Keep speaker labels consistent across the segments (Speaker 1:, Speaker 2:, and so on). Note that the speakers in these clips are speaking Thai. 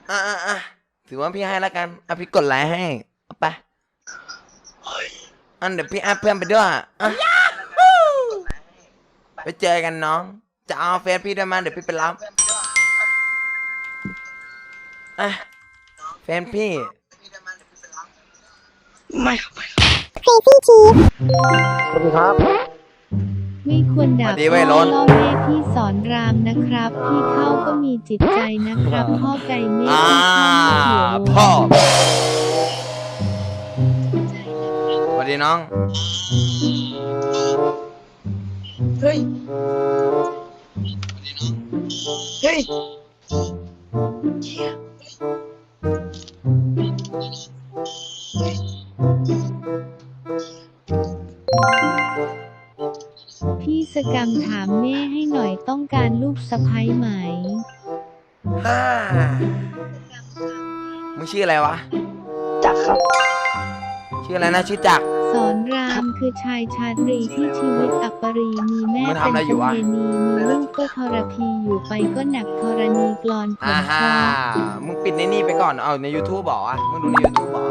Speaker 1: อ่ะถือว่าพี่ให้แล้วกันพี่กดไลค์ให้เอาไปเดี๋ยวพี่แอดเพื่อนไปด้วยไปเจอกันน้องจะเอาเฟซพี่ด้วยมาเดี๋ยวพี่ไปรับเฟซพี่
Speaker 2: ไม่ครับ
Speaker 3: เฟซี่ชีฟ
Speaker 4: สวัสดีครับ
Speaker 5: ไม่ควรด่าพ่อล่อแม่พี่สอนรามนะครับพี่เข้าก็มีจิตใจนะครับพ่อไก่เมฆ
Speaker 1: พ่อสวัสดีน้อง
Speaker 2: เฮ้ยเฮ้ย
Speaker 5: พี่สกรรมถามแม่ให้หน่อยต้องการลูกสะใภ้ไหม
Speaker 1: มึงชื่ออะไรวะ
Speaker 2: จักครับ
Speaker 1: ชื่ออะไรนะชื่อจัก
Speaker 5: สอนรามคือชายชาตรีที่ชีวิตอัปรีมีแม่เป็นคุเรนีมีลูกก็ทรพีอยู่ไปก็หนักธรณีกลอนผลคอ
Speaker 1: มึงปิดในนี่ไปก่อนเอาใน YouTube บอกอ่ะมึงดูใน YouTube บอก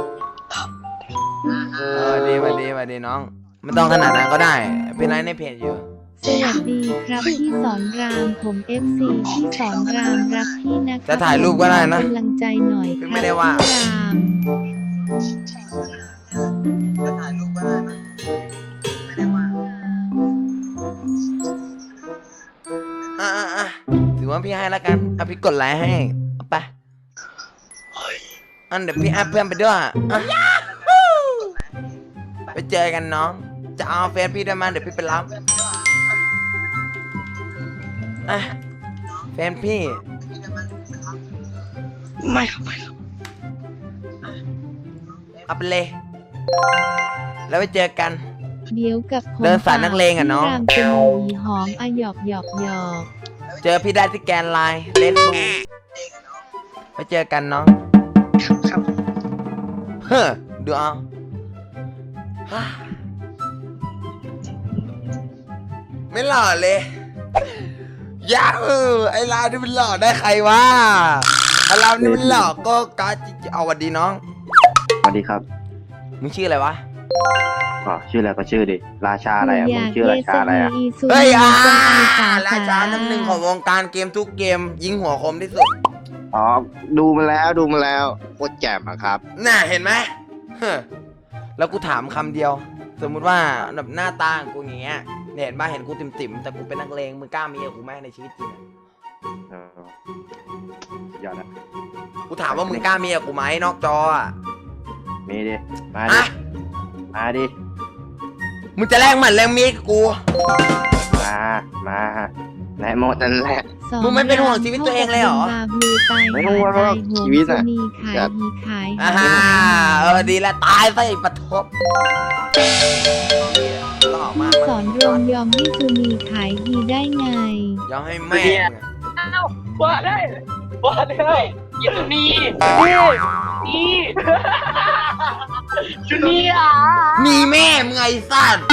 Speaker 1: ดีน้องไม่ต้องขนาดนั้นก็ได้เป็นไรในเพจอยู่
Speaker 5: สวัสดีครับพี่สอนรามผม FC พี่สอนรามรักพี่นะครับ
Speaker 1: จะถ่ายรูปก็ได้นะ
Speaker 5: กำลังใจหน่อยครับ
Speaker 1: ไม่ได้ว่า
Speaker 5: ราม
Speaker 1: จะถ่ายรูปก็ได้นะไม่ได้ว่าถือว่าพี่ให้แล้วกันพี่กดไลค์ให้เอาไปเดี๋ยวพี่แอดเพื่อนไปด้วยไปเจอกันน้องจะเอาเฟซพี่ด้วยมาเดี๋ยวพี่ไปรับเฟซพี่
Speaker 2: ไม่ครับ
Speaker 1: เอาไปเลยแล้วไปเจอกัน
Speaker 5: เดี๋ยวกับผม
Speaker 1: เดินสายนักเลงอ่ะน้อง
Speaker 5: รามจมูกหอมหยอก
Speaker 1: เจอพี่ได้ที่แกนไลน์เล่นบูไปเจอกันน้อง
Speaker 2: ครับ
Speaker 1: ดูเอาไม่หล่อเลยยาไอ้ลาวนี่มันหล่อได้ใครวะไอ้ลาวนี่มันหล่อก็กาจิเอาวันดีน้อง
Speaker 4: สวัสดีครับ
Speaker 1: มึงชื่ออะไรวะ
Speaker 4: ชื่ออะไรก็ชื่อดิราชาอะไรมึงชื่อราชาอะไร
Speaker 1: เฮ้ยราชา1 ของวงการเกมทุกเกมยิงหัวคมที่สุด
Speaker 4: ดูมาแล้วโคตรแจ่มครับ
Speaker 1: น่ะเห็นไหมแล้วกูถามคำเดียวสมมุติว่าแบบหน้าตากูอย่างเงี้ยเห็นป่ะเห็นกูติ่มแต่กูเป็นนักเลงมึงกล้ามีกับกูไหมในชีวิตจริง
Speaker 4: ยอดนะ
Speaker 1: กูถามว่ามึงกล้ามีกับกูไหมนอกจอ
Speaker 4: มีดิมาดิ
Speaker 1: มึงจะแลกหมัดแลกมีกับกู
Speaker 4: มาแลกหมดนั่นแหละ
Speaker 1: มึงไม่เป็นห่วงชีวิตตัวเองเลยเหรอ
Speaker 4: ไม่ต้องห่วงชีวิตอะ
Speaker 1: ดีแล้วตายซะไอ้ปะทบ
Speaker 5: พี่สอนรวมยอมให้ซูนีขายดีได้ไง
Speaker 1: ยอมให้แม่
Speaker 2: ว่าได้ยินดีชุนี
Speaker 1: มีแม่มึงไอ้สัตว์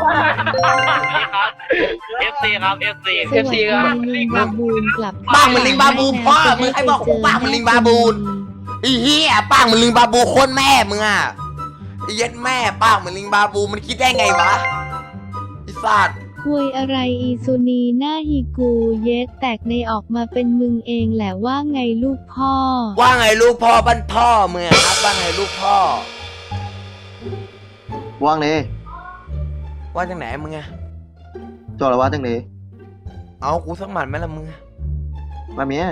Speaker 2: FC ครับ FC
Speaker 5: ครับลิงบาบูนกลับ
Speaker 1: ป้างมันลิงบาบูพ่อมึงให้บอกกูป้างมันลิงบาบูนไอ้เหี้ยป้างมันลิงบาบูโคตรแม่มึงไอ้เย็ดแม่ป้างมันลิงบาบูมันคิดได้ไงวะไอ้สัตว์
Speaker 5: คุยอะไรอีซูนีหน้าฮีกูเย็ดแตกในออกมาเป็นมึงเองแหละว่าไงลูกพ่อ
Speaker 1: ว่าไงลูกพ่อบ้านพ่อมึงครับว่าไงลูกพ่อ
Speaker 4: ว่างเลย
Speaker 1: ว่าจังไหนมึง
Speaker 4: จอละว่าจังเลย
Speaker 1: เอากูสักหมัดไหมล่ะมึง
Speaker 4: มาเมีย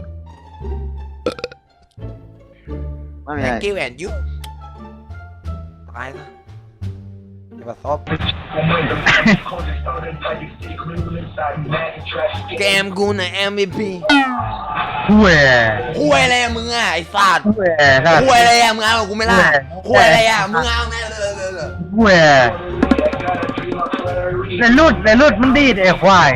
Speaker 1: กิ้วแอนยุตายซะมาซบเกมกูน่ะ MVP
Speaker 4: ห่
Speaker 1: วยอะไรมึงไอ้สัตว์ห่วยอะไรมึงเอากูไม่ล่ะห่วยอะไรมึงเอาแม่เลย
Speaker 4: ห่วยในรุดมันดีดไอ้ควาย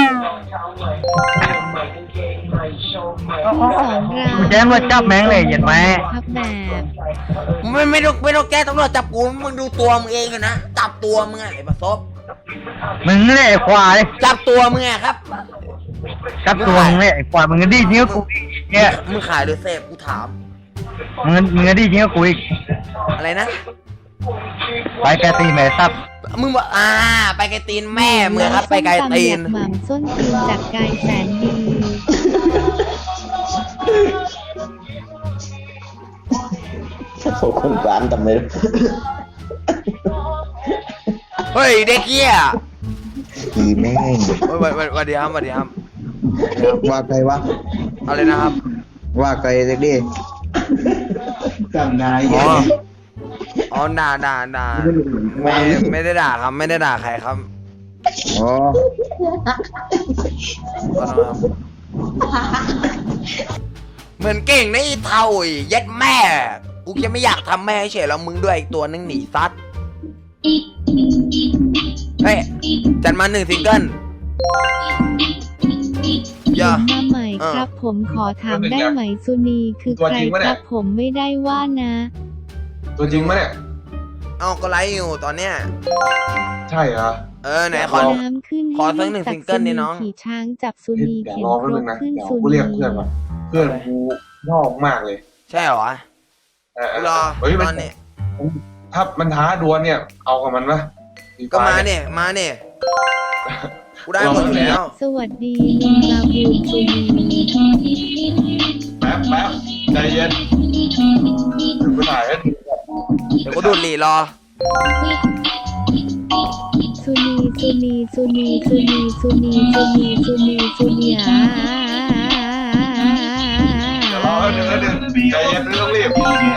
Speaker 5: พี่สอนราม
Speaker 4: แจ้งว่าจับแม่งเลยเห็นไหม
Speaker 5: ครับแบบ
Speaker 1: ไม่ต้องแก้ตำรวจจับกูมึงดูตัวมึงเองนะจับตัวมึงไอ้ประสบ
Speaker 4: มึงเลยควาย
Speaker 1: จับตัวมึงครับ
Speaker 3: กับตัวมึงเนี่ยไอ้ปล่อยมึงก็ดีจริงกับกูอีกเนี่ย
Speaker 1: มึงขายหรือเสพกูถาม
Speaker 3: มึงก็ดีจริงกับกูอีก
Speaker 1: อะไรนะ
Speaker 3: ไปแกตีแม่ซับ
Speaker 1: มึงบอกไปไกลตีนแม่มึงครับไปไกลตีน
Speaker 5: หม่ำส้นตีนจากกายแสนดี
Speaker 6: โอ้คนกลางทำไม
Speaker 1: เฮ้ยเด็กเหี้ย
Speaker 6: อีแม่ง
Speaker 1: เฮ้ยวันดีครับวันดีครับ
Speaker 6: ว่าใครวะ
Speaker 1: เอาเลยนะครับ
Speaker 6: ว่าใครเด็กดิจำนาย
Speaker 1: อ๋อด่าไม่ได้ด่าครับไม่ได้ด่าใครครับ
Speaker 6: อ๋อ
Speaker 1: ขอโทษครับเหมือนเก่งนะไอ้เท่าไอ้ยัดแม่กูจะไม่อยากทำแม่เฉยแล้วมึงด้วยอีกตัวนึงหนีซัดเฮ้ยจัดมา1 ซิงเกิลอย่า
Speaker 5: มาใหม่ครับผมขอถามได้ไหมสุนีคือใครครับผมไม่ได้ว่านะ
Speaker 7: ตัวจริงปะเนี่ย
Speaker 1: เอาก็ไลฟ์อยู่ตอนเนี้ย
Speaker 7: ใช่เหรอ
Speaker 1: ไหนขอ
Speaker 5: น้ำขึ้น
Speaker 1: ขอสักหนึ่งซิงเกิลดิน้อง
Speaker 5: ขี่ช้างจับสุ
Speaker 7: เดี๋
Speaker 5: นี
Speaker 7: ยว
Speaker 5: เข็น
Speaker 7: รอ
Speaker 5: ค
Speaker 7: แป๊บ
Speaker 5: ร
Speaker 7: นึ
Speaker 5: ก
Speaker 7: งนะ
Speaker 5: ขึ้น
Speaker 7: เดี๋ยว
Speaker 5: สุ
Speaker 7: กู
Speaker 5: นี
Speaker 7: เรียกเพื่อนก่อนเพื่อนกูนอกมากเลย
Speaker 1: ใช่เหรอ รอ
Speaker 7: เฮ้ย
Speaker 1: ต
Speaker 7: มั
Speaker 1: อน นนี้
Speaker 7: ถ้ามันท้าดวลเนี่ย เอากับมันปะ
Speaker 1: ก็มาเนี่ยกูได้หมดอยู่แล้ว
Speaker 5: สวัสดีลุงบาบูนสุนี
Speaker 7: แป๊บใจเย็นกูถ่ายให้
Speaker 1: เดี๋ยวกูดูดหลีรอ
Speaker 5: สุนีสุนีสุนีสุนีสุนีสุนีสุนีสุนี
Speaker 7: เดี๋ยวรอแป๊บนึงใจเย็นไม่ต้องรีบ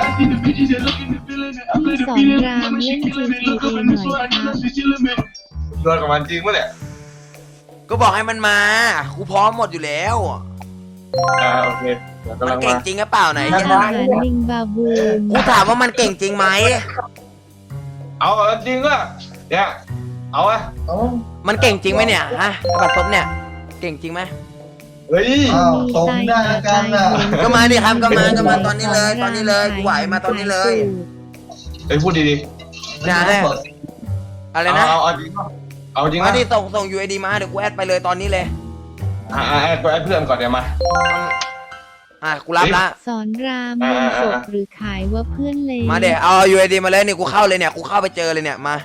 Speaker 5: พี่สอนรามเล่น GTA หน่อยครับ
Speaker 7: ดวลกับมันจริงปะเนี่ย
Speaker 1: ก็บอกให้มันมากูพร้อมหมดอยู่แล้ว
Speaker 7: โอเคเดี๋ยวกำ
Speaker 1: มั
Speaker 7: ลั
Speaker 1: น
Speaker 7: ง
Speaker 1: เก่ง
Speaker 7: มา
Speaker 1: จริงหรือเปล่าไหน
Speaker 5: อาหารลิงบาบูน
Speaker 1: กูถามว่ามันเก่งจริงไหม
Speaker 7: เอาจริงป่ะเนี่ยเอาอะ
Speaker 1: มันเก่งจริงไหมเนี่ยฮะบัตรซบเนี่ย เก่งจริงไหม
Speaker 7: เฮ้ย
Speaker 5: ตรงหน้ากันนะ
Speaker 1: ก็มาดิครับก็มาตอนนี้เลยกูไหวมาตอนนี้เลย
Speaker 7: เฮ้ยพูดดี
Speaker 1: นะฮะอะไร
Speaker 7: ๆ
Speaker 1: นะ
Speaker 7: เอาจริงป่ะเอาจริง
Speaker 1: มา
Speaker 7: ป่ะ
Speaker 1: ดิส่ง UID มาเดี๋ยวกูแอดไปเลยตอนนี้เลย
Speaker 7: แอดเพื่อนก่อนเดี๋ยวมา
Speaker 1: กูรับละ
Speaker 5: สอนรามลงศพหรือขายว่าเพื่อนเลย
Speaker 1: มาเดี๋ยวเอา UID มาเลยนี่กูเข้าเลยเนี่ยกูเข้าไปเจอเลยเนี่ยมา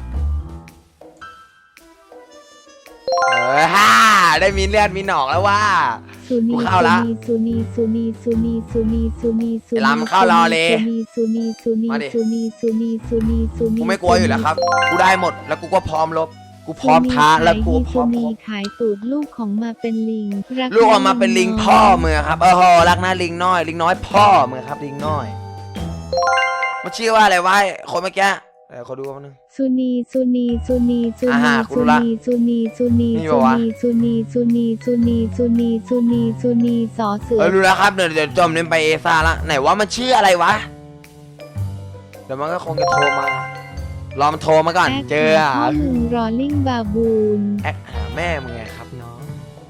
Speaker 1: ได้มีเลือดมีหนองแล้วว่า
Speaker 5: สุนี
Speaker 1: กูเข้าละ
Speaker 5: สุนีสุนีสุนีสุนีสุนีสุนี
Speaker 1: ไอ้ลำเข้ารอเลย
Speaker 5: สุนีสุนี
Speaker 1: มาดิ
Speaker 5: สุนีสุนีสุนีสุนี
Speaker 1: กูไม่กลัวอยู่แล้วครับ กูได้หมดแล้วกูก็พร้อมลบ กูพร้อมท้าแล้วกูพร้อม
Speaker 5: สุนีขายตูดลูกของมาเป็นลิงรั
Speaker 1: ลูกออกมาเป็นลิงพ่อมือครับรักนะลิงน้อยลิงน้อยพ่อมือครับลิงน้อยมันชื่อว่าอะไรวะคนเมื่อกี้เดี๋ยวขอดูมันนึง
Speaker 5: สุนีสุนีสุนีสุนี
Speaker 1: กู
Speaker 5: สุ
Speaker 1: รู้ละ
Speaker 5: นีสุนีสุนี
Speaker 1: นี่
Speaker 5: สุ
Speaker 1: ปะวะ
Speaker 5: นีสุนีสุนีสุนีสุนีสุนีสุนีสอเสือ
Speaker 1: รู้แล้วครับเดี๋ยวจอมเล่นไปเอซ่าละไหนว่ามันชื่ออะไรวะเดี๋ยวมันก็คงจะโทรมารอมันโทรมาก่อนเจอ
Speaker 5: ข้อมึงรอลิงบาบูน
Speaker 1: แอคหาแม่มึงไงครับน้อง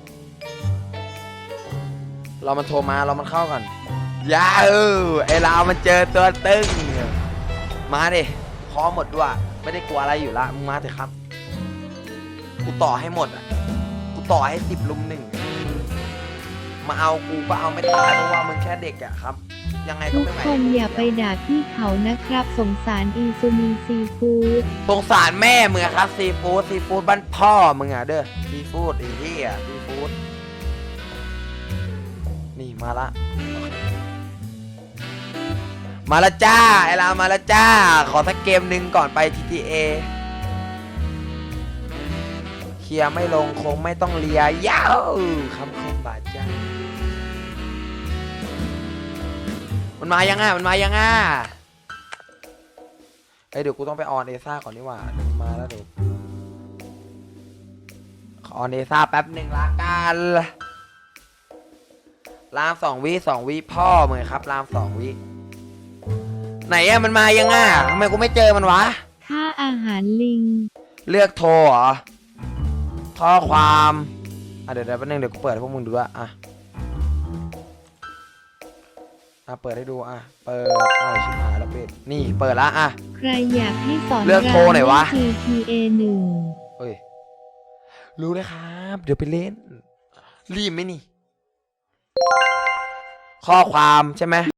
Speaker 1: รอมันโทรมารอมันเข้าก่อนยาไอเรามันเจอตัวตึงมาดิพร้อมหมดด้วยไม่ได้กลัวอะไรอยู่ละมึงมาเถอะครับกูต่อให้หมดอ่ะกูต่อให้10 ลุม 1มาเอากูก็เอาไม่ตายเพราะว่ามึงแค่เด็กอ่ะครับยังไงก็
Speaker 5: ทุก
Speaker 1: ไม่ไหว
Speaker 5: คนอย่าไปด่าพี่เขานะครับ สงสารอีซูนีซีฟู้ด
Speaker 1: สงสารแม่มึงอะครับซีฟู้ดบ้านพ่อมึงอะเด้อซีฟู้ดไอ้เหี้ยซีฟู้ดนี่มาละมาละจ้าไอ้ลามาละจ้าขอสักเกมหนึ่งก่อนไป GTA เคลียร์ไม่ลงคงไม่ต้องเลียยาวคำคมบาดใจมันมายังเดี๋ยวกูต้องไปออนเอซ่าก่อนนี่หว่ามาแล้วเดี๋ยวขอออนเอซ่าแป๊บหนึ่งละกันราม2 วิพ่อมึงครับราม2 วิไหนอะมันมายังทำไมกูไม่เจอมันวะ
Speaker 5: ค่าอาหารลิง
Speaker 1: เลือกโทรเหรอข้อความเดี๋ยวแป๊บนึงเดี๋ยวกูเปิดให้พวกมึงดูด้วยเปิดให้ดูเปิดชิบหายแล้วปิดนี่เปิดละ
Speaker 5: ใครอยากให้สอน
Speaker 1: เลือกโทรหน่อยวะ
Speaker 5: GTA 1
Speaker 1: เฮ้ยรู้เลยครับเดี๋ยวไปเล่นรีบไหมนี่ ข้อความใช่ไหม